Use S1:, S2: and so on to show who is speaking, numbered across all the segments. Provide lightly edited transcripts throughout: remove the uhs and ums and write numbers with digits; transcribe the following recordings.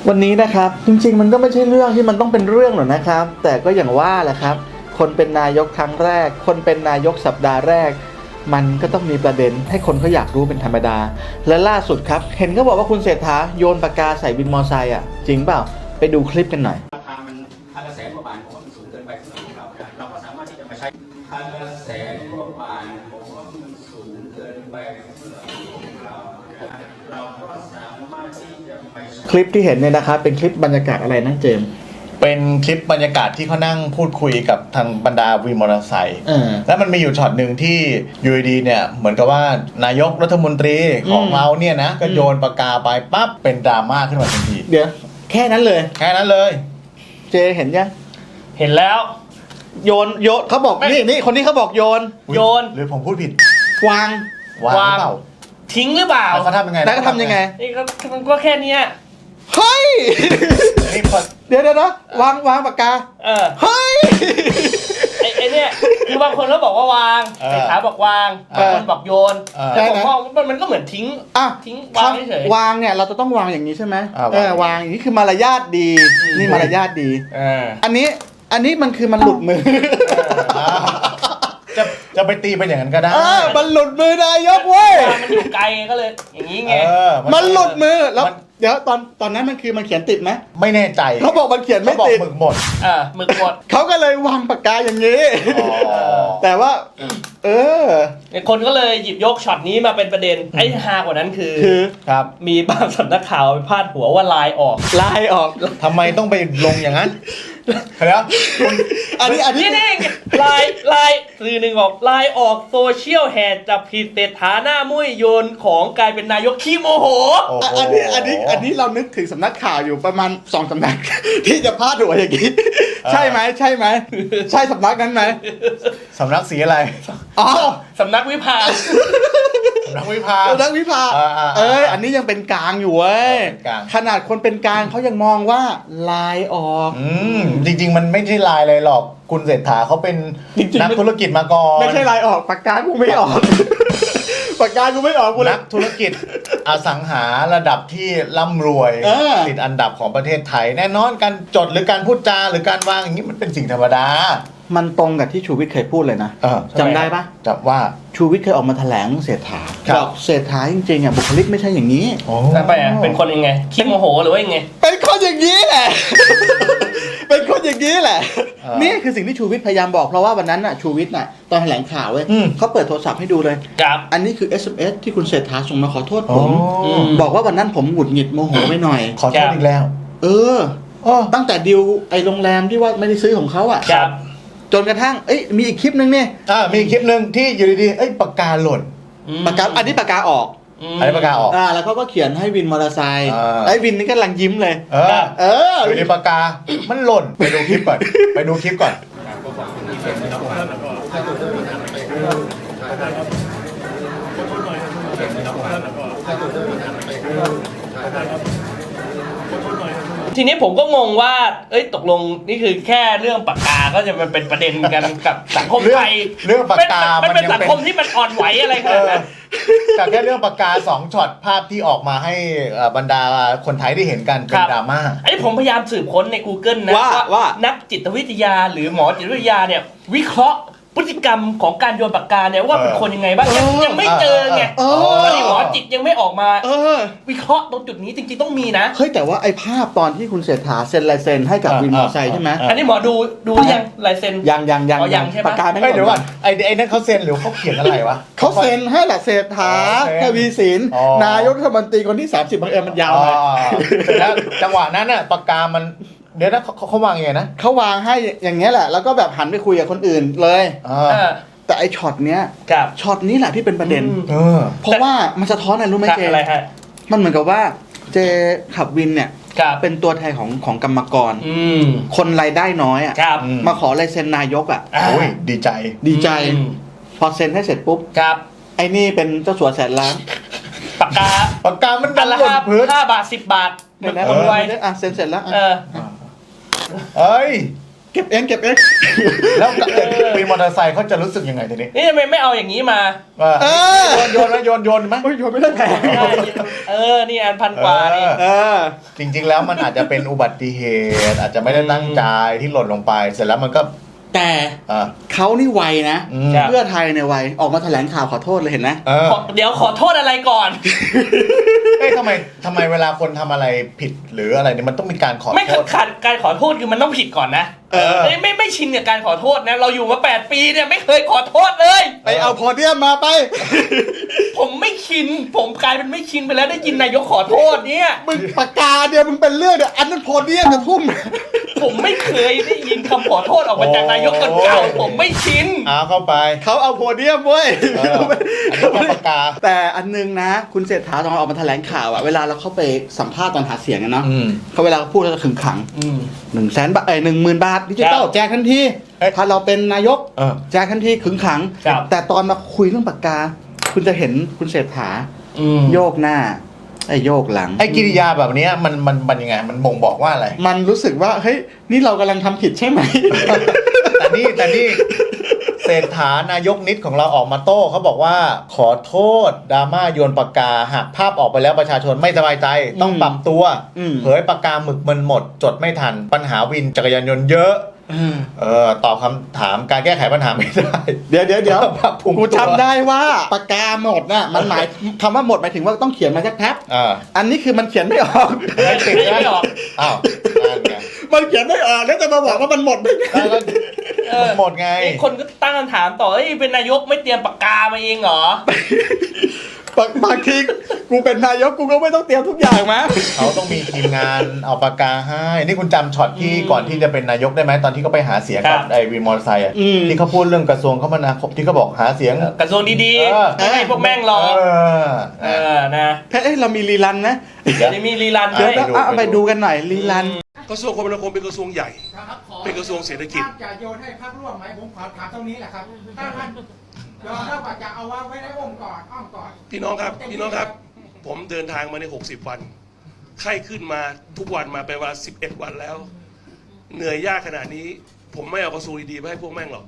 S1: วันนี้นะครับจริงๆมันก็ไม่ใช่เรื่องที่มันต้องเป็นเรื่องหรอกนะครับแต่ก็อย่างว่าแหละครับคนเป็นนายกครั้งแรกคนเป็นนายกสัปดาห์แรกมันก็ต้องมีประเด็นให้คนเขาอยากรู้เป็นธรรมดาและล่าสุดครับเห็นเขาบอกว่าคุณเศรษฐาโยนปากกาใส่วินมอไซค์อ่ะจริงเปล่าไปดูคลิปกันหน่อย
S2: ราคามันคันละแสนกว่าบาทผมว่ามันสูงเกินไปสำหรับเราก็สามารถที่จะมาใช้คันละแสนกว่าบาทผมว่ามันสูงเกินไปสำหรับเราก็สามารถที่จะไป
S1: คลิปที่เห็นเนี่ยนะครับเป็นคลิปบรรยากาศอะไรนะเจมส์
S3: เป็นคลิปบรรยากาศที่เขานั่งพูดคุยกับทางบรรดาวินมอเตอร์ไซค์แล้วมันมีอยู่ช็อตหนึ่งที่ยูดีเนี่ยเหมือนกับว่านายกรัฐมนตรีของเราเนี่ยนะก็โยนปากกาไปปั๊บเป็นดราม่าขึ้นมาทันที
S1: เดี๋ยวแค่นั้นเลยเจเห็นยัง
S4: เห็นแล้ว
S1: โยนเขาบอกนี่คนนี้เขาบอกโยน
S3: หรือผมพูดผิด
S1: วาง
S3: หรือเปล่า
S4: ทิ้งหรือเปล่า
S3: แล้วเขาทำยังไง
S4: นี่ก็แค่นี้
S1: เฮ้ยเดี๋ยวนะวางปากกาเฮ้ย
S4: ไอเนี่ยคือบางคนก็บอกว่าวางเศรษฐาบอกวางบางคนบอกโยนแต่ผมมองมันก็เหมือนทิ้งวางเฉยว
S1: างเนี่ยเราจะต้องวางอย่างนี้ใช่ไหมวางอย่างนี้คือมารยาทดีนี่มารยาทดีอันนี้มันคือมันหลุดมือ
S3: จะไปตีเป็นอย่างนั้นก็ได้
S1: มันหลุดมือนายกเว้ย
S4: มันอยู่ไกลก็เลยอย่างนี้ไง
S1: มันหลุดมือแล้วเดี๋ยวตอนนั้นมันคือมันเขียนติดไหม
S3: ไม่แน่ใจ
S1: เขาบอกมันเขียนไม่ติด
S3: หมึกหมด
S1: เขาก็เลยวางปากกาอย่างนี้แต่ว่า
S4: คนก็เลยหยิบยกช็อตนี้มาเป็นประเด็นไอ้ฮากว่านั้นคือ
S3: ครับ
S4: มีบางสำนักข่าวไปพาดหัวว่าลายออก
S3: ทำไมต้องไปลงอย่างนั้นแล้ว
S4: อันนี้ลายสื่อหนึ่งบอกลายออกโซเชียลแห่จับผิดเศรษฐาหน้ามุ้ยโยนของกลายเป็นนายกขี้โมโห
S1: อันนี้เรานึกถึงสำนักข่าวอยู่ประมาณ2สำนักที่จะพาดหัวอย่างนี้ใช่ไหมใช่สำนักนั้นไหม
S3: สำนักสีอะไร
S4: สำนักวิภา
S1: อันนี้ยังเป็นกลางอยู่เว้ยขนาดคนเป็นกลางเขายังมองว่าลายออก
S3: จริงๆมันไม่ใช่ลายเลยหรอกคุณเศรษฐาเขาเป็นนักธุรกิจมาก่อน
S1: ไม่ใช่ลายออกปากกากูไม่ออกปากกากูไม่ออกกู
S3: นักธุรกิจอสังหาระดับที่ร่ำรวยติดอันดับของประเทศไทยแน่นอนการจดหรือการพูดจาหรือการวางอย่างนี้มันเป็นสิ่งธรรมดา
S1: มันตรงกับที่ชูวิทย์เคยพูดเลยนะจำได้ปะ
S3: จำว่า
S1: ชูวิทย์เคยออกมาแถลงเศรษฐาบอกเศรษฐาจริงๆอ่ะบุคลิกไม่ใช่อย่างนี้
S4: แล้วไปเป็นคนยังไงขี้โมโหหรือว่ายังไง
S1: เป็นคนอย่างนี้แหละเป็นคนอย่างนี้แหละนี่คือสิ่งที่ชูวิทย์พยายามบอกเพราะว่าวันนั้นน่ะชูวิทย์น่ะตอนแถลงข่าวเว้ยเขาเปิดโทรศัพท์ให้ดูเลยอันนี้คือ SMS ที่คุณเศรษฐาส่งมาขอโทษผมบอกว่าวันนั้นผมหงุดหงิดโมโหไปหน่อย
S3: ขอโทษอีกแล้ว
S1: ตั้งแต่ดิวไอ้โรงแรมที่ว่าไม่ได้ซื้อของเขาอ่ะจนกระทั่งมีอีกคลิปนึงเนี่ย
S3: มีอีกคลิปนึงที่อยู่ดีๆปากกาหล่น
S1: อันนี้ปากกาออกแล้วเขาก็เขียนให้วินมอเตอร์ไซค์ไอ้วินนี่ก็กำลังยิ้มเลย
S3: อยู่ในปากกามันหล่นไปดูคลิปก่อน
S4: ทีนี้ผมก็งงว่าตกลงนี่คือแค่เรื่องปากกาก็จะมันเป็นประเด็นกันกับสังคมไทย
S3: เรื่องปากกา
S4: มันเป็นสังคมที่มันอ่อนไหวอะไรขนาดนั้น
S3: แต่แค่เรื่องปากกา2ช็อตภาพที่ออกมาให้บรรดาคนไทยได้เห็นกันเป็นดราม่า
S4: ไอ้ผมพยายามสืบค้นใน Google นะว่านักจิตวิทยาหรือหมอจิตวิทยาเนี่ยวิเคราะห์พฤติกรรมของการโยนปากกาเนี่ยว่าเป็นคนยังไงบ้างยังไม่เจอไงตอนนี้หมอจิตยังไม่ออกมาวิเคราะห์ตรงจุดนี้จริงๆต้องมีนะ
S1: เฮ้ยแต่ว่าไอ้ภาพตอนที่คุณเศรษฐาเซ็นลายเซ็นให้กับวินมอเตอร์ไซค์ใช่ไหม
S4: อันนี้หมอดูยังลายเซ็น
S1: ยัง
S4: ใช่ไหม
S1: ปากกาไม่
S3: เดี๋ยวก่อนไอ้นั่นเขาเซ็นหรือเขาเขียนอะไรวะ
S1: เขาเซ็นให้แหละเศรษฐาทวีสินนายกรัฐมนตรีคนที่30บังเอิญมันยาวหน่อย
S3: แล้วจังหวะนั้นน่ะปากกามันเดี๋ยวนะเขาวางยังไงนะ
S1: เขาวางให้อย่างเงี้ยแหละแล้วก็แบบหันไปคุยกับคนอื่นเลยแต่ไอช็อตเนี้ยช็อตนี้แหละที่เป็นประเด็นเพราะว่ามันสะท้อนอะไรรู้ไหมเจมันเหมือนกับว่าเจขับวินเนี่ยเป็นตัวแทนของกรรมกรคนรายได้น้อยอ่ะมาขอลายเซ็นนายกอ่ะ
S3: ดีใจ
S1: พอเซ็นให้เสร็จปุ๊บไอ้นี่เป็นเจ้าสัวแสนล้าน
S4: ปากกามันดันละ5 บาท10 บาท
S1: คนรวยเซ็นเสร็จแล้วเก็บเองเก็บเอง
S3: แล้วมีมอเตอร์ไซค์เขาจะรู้สึกยังไงทีนี้
S4: นี่ทำไมไม่เอาอย่างนี้มา
S3: ว่าโยนไหมโยนไหม
S1: โอ้ยโยนไม่ได้แพง
S4: นี่อันพันกว่านี่
S3: จริงๆแล้วมันอาจจะเป็นอุบัติเหตุ อาจจะไม่ได้ตั้งใจที่หล่นลงไปเสร็จแล้วมันก็
S1: แต่เขานี่ไวนะ
S3: อืม
S1: เพื่อไทยเนี่ยไวออกมาแถลงข่าวขอโทษเลยเห็นไหม
S4: เดี๋ยวขอโทษอะไรก่อน
S3: เอ้ยทำไมเวลาคนทำอะไรผิดหรืออะไรเนี่ยมันต้องมีการขอ
S4: ไม่
S3: โทษ
S4: ขัดการขอโทษคือมันต้องผิดก่อนนะไม่ชินกับการขอโทษนะเราอยู่มา8 ปีเนี่ยไม่เคยขอโทษเลย
S1: ไปเอาโพเดียมมาไป
S4: ผมไม่ชินผมกลายเป็นไม่ชินไปแล้วได้ยินนายกขอโทษเนี่ย
S1: มึงปากกาเดียวมึงเป็นเรื่องเดียวอันนั้นโพเดียมจะทุ่ม
S4: ผมไม่เคยได้ยินคำขอโทษออกมาจากนายกคนเก่าผมไม่ชิน
S3: เข้าไป
S1: เขาเอาโพเดียมเว้ย
S3: อันนี้ปากกา
S1: แต่อันนึงนะ คุณเศรษฐาตอนออกมาแถลงข่าวอะเวลาเราเข้าไปสัมภาษณ์ตอนหาเสียงอะเนาะเขาเวลาพูดเขาจะขึงขัง 100,000 บาท10,000 บาทดิจิตอลแจกทันทีถ้าเราเป็นนายกแจกทันทีขึงขัง แต่ตอนมาคุยเรื่องปากกา คุณจะเห็นคุณเศรษฐาโยกหน้าโยกหลัง
S3: กิริยาแบบนี้มันยังไงมันบ่งบอกว่าอะไร
S1: มันรู้สึกว่าเฮ้ยนี่เรากำลังทำผิดใช่ไหม
S3: แต่นี่เศรษฐานายกนิดของเราออกมาโต้เขาบอกว่าขอโทษดราม่าโยนปากกาหากภาพออกไปแล้วประชาชนไม่สบายใจต้องปรับตัวเผยปากกาหมึกมันหมดจดไม่ทันปัญหาวินจักรยานยนต์เยอะตอบคำถามการแก้ไขปัญหาไม่ได้
S1: เดี๋ยว
S3: กู
S1: กูจำได้ว่าปากกาหมดน่ะมันหมายคำว่าหมดหมายถึงว่าต้องเขียนมาสักแป๊บอันนี้คือมันเขียนไม่ออก
S4: ไม่ออก
S3: อ้าวนั่นไง
S1: มันเขียนไม่ออกแล้วจะมาบอกว่ามันหมดไม่ได้
S3: หมดไง
S4: คนก็ตั้งคำถามต่อเป็นนายกไม่เตรียมปากกามาเองเหรอ
S1: บางทีกูเป็นนายกกูก็ไม่ต้องเตรียมทุกอย่างมา
S3: เขาต้องมีทีมงานเอาปากกาให้นี่คุณจำช็อตที่ก่อนที่จะเป็นนายกได้ไหมตอนที่เขาไปหาเสียงกับไอ้วินมอเตอร์ไซค์ที่เขาพูดเรื่องกระทรวงคมนาคมที่เขาบอกหาเสียง
S4: กระทรวงดีๆไม่ให้พวกแม่งรอนะ
S1: เรามีรีรันนะ
S4: เดี๋ยวมีรีรัน
S1: เดี๋ยวเอาไปดูกันหน่อยรีรัน
S5: กระทรวงคมนาคมเป็นกระทรวงใหญ่ เป็นกระทรวงเศรษฐกิจ
S6: ท่านจะโยนให้พรรคร่วมไหมผมขอถามตรงนี้แหละครับถ้าท่านยอมรับว่าจะเอาไว้ในองค์กรอ้อมกอด
S5: พี่น้องครับ ผมเดินทางมาใน60 วัน ไข้ขึ้นมาทุกวันมาเป็นว่า11 วันแล้ว เหนื่อยยากขนาดนี้ ผมไม่เอากระทรวงดีๆไปให้พวกแม่งหรอก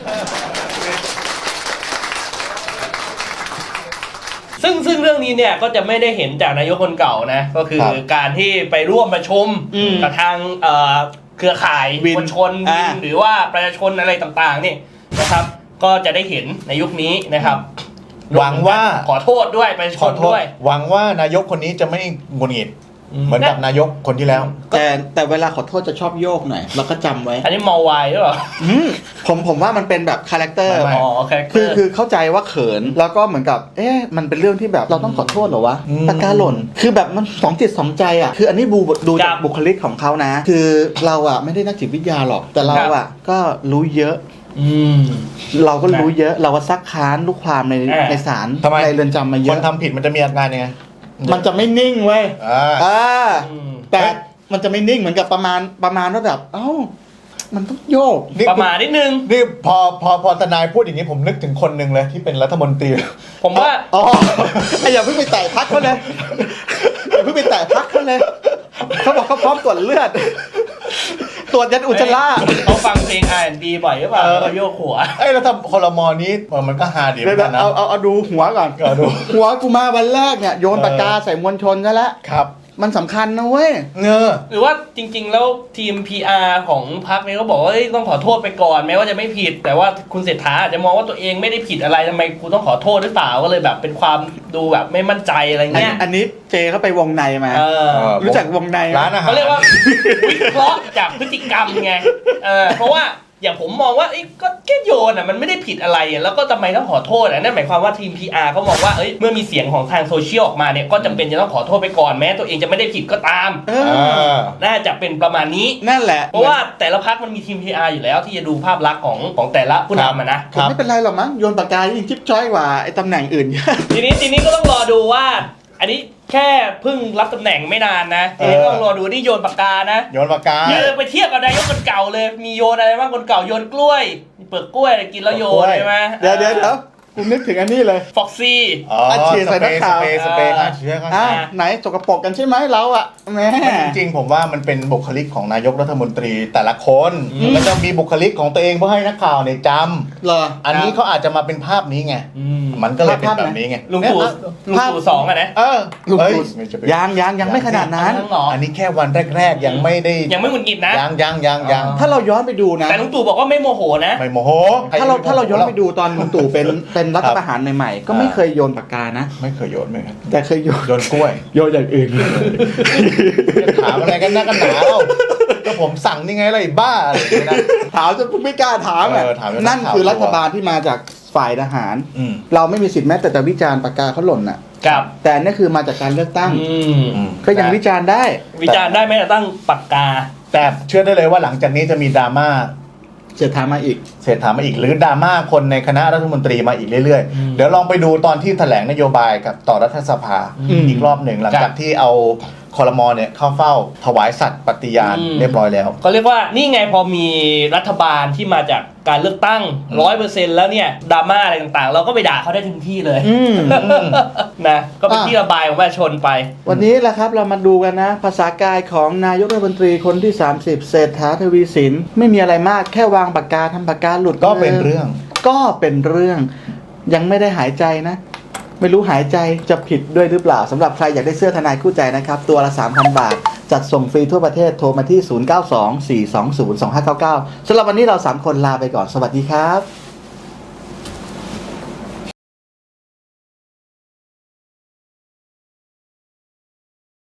S4: ซึ่งเรื่องนี้เนี่ยก็จะไม่ได้เห็นจากนายกคนเก่านะก็คือการที่ไปร่วมประชุมกับทางเครือข่ายมวลชนหรือว่าประชาชนอะไรต่างๆนี่นะครับก็จะได้เห็นในยุคนี้นะครับ
S3: หวังว่า
S4: ขอโทษด้วยประชาชนด้วย
S3: หวังว่านายกคนนี้จะไม่หงุดหงิดเหมือนกับนายกคนที่แล้ว
S1: แต่เวลาขอโทษจะชอบโยกหน่อยเราก็จำไว้
S4: อันนี้เมาไวหรือเปล่า
S1: ผมว่ามันเป็นแบบคาแรคเตอร์
S3: ไม่
S1: คือเข้าใจว่าเขินแล้วก็เหมือนกับมันเป็นเรื่องที่แบบเราต้องขอโทษเหรอวะปากกาหล่นคือแบบมันสองจิตสองใจอ่ะคืออันนี้ดูจากบุคลิกของเขานะ คือเราอ่ะไม่ได้นักจิตวิทยาหรอกแต่เราอ่ะก็รู้เยอะเราก็รู้เยอะเราก็ซักค้านลูกความในศาลในเรือนจำมาเย
S3: ค
S1: อะ
S3: นทำผิดมันจะมีอาการยังไง
S1: มันจะไม่นิ่งเว้ย แต่
S3: เฮ้ย
S1: มันจะไม่นิ่งเหมือนกับประมาณว่าแบบมันต้องโยก
S4: ประมาณนิดนึง
S3: นี่พอทนายพูดอย่างนี้ผมนึกถึงคนหนึ่งเลยที่เป็นรัฐมนตรี
S4: ผมว่า
S1: อย่าเพิ่งไปแตะพักเขาเลยอย่าเพิ่งไปแตะพักเขาเลยเขาบอกเขาพร้อมตรวจเลือดตรวจยันอุจจาระ
S4: เขาฟังเพลง R&B บ่อยหรือเปล่าเขาโยกหัว
S3: แล้วทำคลมนี้มันก็ฮาดีเหมือนกันนะ
S1: เอาดูหัวก่อนหัวกูมาวันแรกเนี่ยโยนปากกาใส่มวลชนซะแล้ว
S3: ครับ
S1: มันสำคัญนะเว้ย
S4: หรือว่าจริงๆแล้วทีม PR ของพรรคเนี่ยเขาบอกว่าต้องขอโทษไปก่อนแม้ว่าจะไม่ผิด แต่ว่าคุณเศรษฐาอาจจะมองว่าตัวเองไม่ได้ผิดอะไรทำไมกูต้องขอโทษหรือเปล่าก็เลยแบบเป็นความดูแบบไม่มั่นใจอะไรเงี้ย
S1: อันนี้เจเขาไปวงในมารู้จักวงใน
S3: ร้านอาหาร
S4: เขาเรียกว่าวิเคราะห์จากพฤติกรรมไงเพราะว่าอย่างผมมองว่าก็แค่โยนมันไม่ได้ผิดอะไรแล้วก็ทำไมต้องขอโทษนั่นหมายความว่าทีม PR เขามองว่าเมื่อมีเสียงของทางโซเชียลออกมาเนี่ยก็จำเป็นจะต้องขอโทษไปก่อนแม้ตัวเองจะไม่ได้ผิดก็ตามน่าจะเป็นประมาณนี้
S1: นั่นแหละ
S4: เพราะว่าแต่ละพรรคมันมีทีม PR อยู่แล้วที่จะดูภาพลักษณ์ของแต่ละผู้นำนะ
S1: ไม่เป็นไรหรอกมั้งโยนปากกายิ่งจิ๊บจ้อยกว่าไอ้ตำแหน่งอื่น
S4: ทีนี้ก็ต้องรอดูว่าอันนี้แค่เพิ่งรับตำแหน่งไม่นานนะทีนี้ต้องรอดูนี่โยนปากกานะ
S3: โยนปากกา
S4: ไปเทียบกับนายกคนเก่าเลยมีโยนอะไรบ้างคนเก่าโยนกล้วยเปลือกกล้วยกินแล้วโยนใช่ไหม
S1: เดี๋ยวกูนึกถึงอันนี้เลย
S4: ฟ็อกซี่
S3: อ๋อ
S1: อัดฉีดใส่นักข่าว
S3: สเปรย์ฆ่าเชื้อ
S1: ไหนสกปรกกันใช่ไหมเราอ่ะแหม่
S3: จริงๆผมว่ามันเป็นบุคลิกของนายกรัฐมนตรีแต่ละคนแล้วจะมีบุคลิกของตัวเองเพื่อให้นักข่าวเนี่ยจ
S1: เหรอ
S3: ำอันนี้เขาอาจจะมาเป็นภาพนี้ไงมันก็เลยเป็นแบบนี้ไง
S4: ลุงตู่สองอะนะ
S1: ลุง
S3: เอ้ย
S1: ตู่
S3: ไม่ใช่เป็น
S1: ยังไม่ขนาดนั้น
S3: อันนี้แค่วันแรกๆยังไม่ได้
S4: ยังไม่หงุดหงิดนะ
S3: ยัง
S1: ถ้าเราย้อนไปดูนะ
S4: แต่ลุงตู่บอกว่าไม่โมโหนะ
S3: ไม่โมโห
S1: ถ้าเราย้อนไปดูตอนลุงตู่เป็นรัฐประหารใหม่ๆก็ไม่เคยโยนปากกานะ
S3: ไม่เคยโยนเหมือนกัน
S1: แต่เคยโยน
S3: โยนกล้วย
S1: โยนอย่างอื่น
S3: จะถามอะไรกันนักกันหนาเล่าก็ผมสั่งนี่ไงอะไรบ้าอะไรอย่างเงี้ยนะ
S1: ถามจนไม่กล้าถามอ่ะ
S3: ถามแล้ว
S1: นั่นคือรัฐบาลที่มาจากฝ่ายทหาร
S3: อืม
S1: เราไม่มีสิทธิ์แม้แต่จะวิจารณ์ปากกาเขาหล่นอ่ะ
S4: ครับ
S1: แต่อันนี่คือมาจากการเลือกตั้ง
S3: อืม
S1: ก็ยังวิจารณ์ได้
S4: วิจารณ์ได้ไหมแต่ตั้งปากกา
S3: แต่เชื่อได้เลยว่าหลังจากนี้จะมีดราม่า
S1: เสียถามมาอีก
S3: เศรษฐามาอีกหรือดราม่าคนในคณะรัฐมนตรีมาอีกเรื่อยๆ เดี๋ยวลองไปดูตอนที่แถลงนโยบายกับต่อรัฐสภา อีกรอบหนึ่งหลังจากที่เอาคอรมอเนี่ยเข้าเฝ้าถวายสัตย์ปฏิญาณเรียบร้อยแล้ว
S4: ก็เรียกว่านี่ไงพอมีรัฐบาลที่มาจากการเลือกตั้ง 100% แล้วเนี่ยดราม่าอะไรต่างๆ เราก็ไปด่าเขาได้ถึงที่เลยนะก็เป็นที่ระบายของประชาชนไป
S1: วันนี้แหละครับเรามาดูกันนะ ภาษากายของนายกรัฐมนตรีคนที่ 30 เศรษฐาทวีสินไม่มีอะไรมากแค่วางปากกาทำปากกาหลุด
S3: ก็เป็นเรื่อง
S1: ก็เป็นเรื่องยังไม่ได้หายใจนะ ไม่รู้หายใจจะผิดด้วยหรือเปล่าสำหรับใครอยากได้เสื้อทนายคู่ใจนะครับตัวละ 3,000 บาท จัดส่งฟรีทั่วประเทศโทรมาที่ 0924202599สำหรับวันนี้เรา 3 คนลาไปก่อนสวัสดีครับ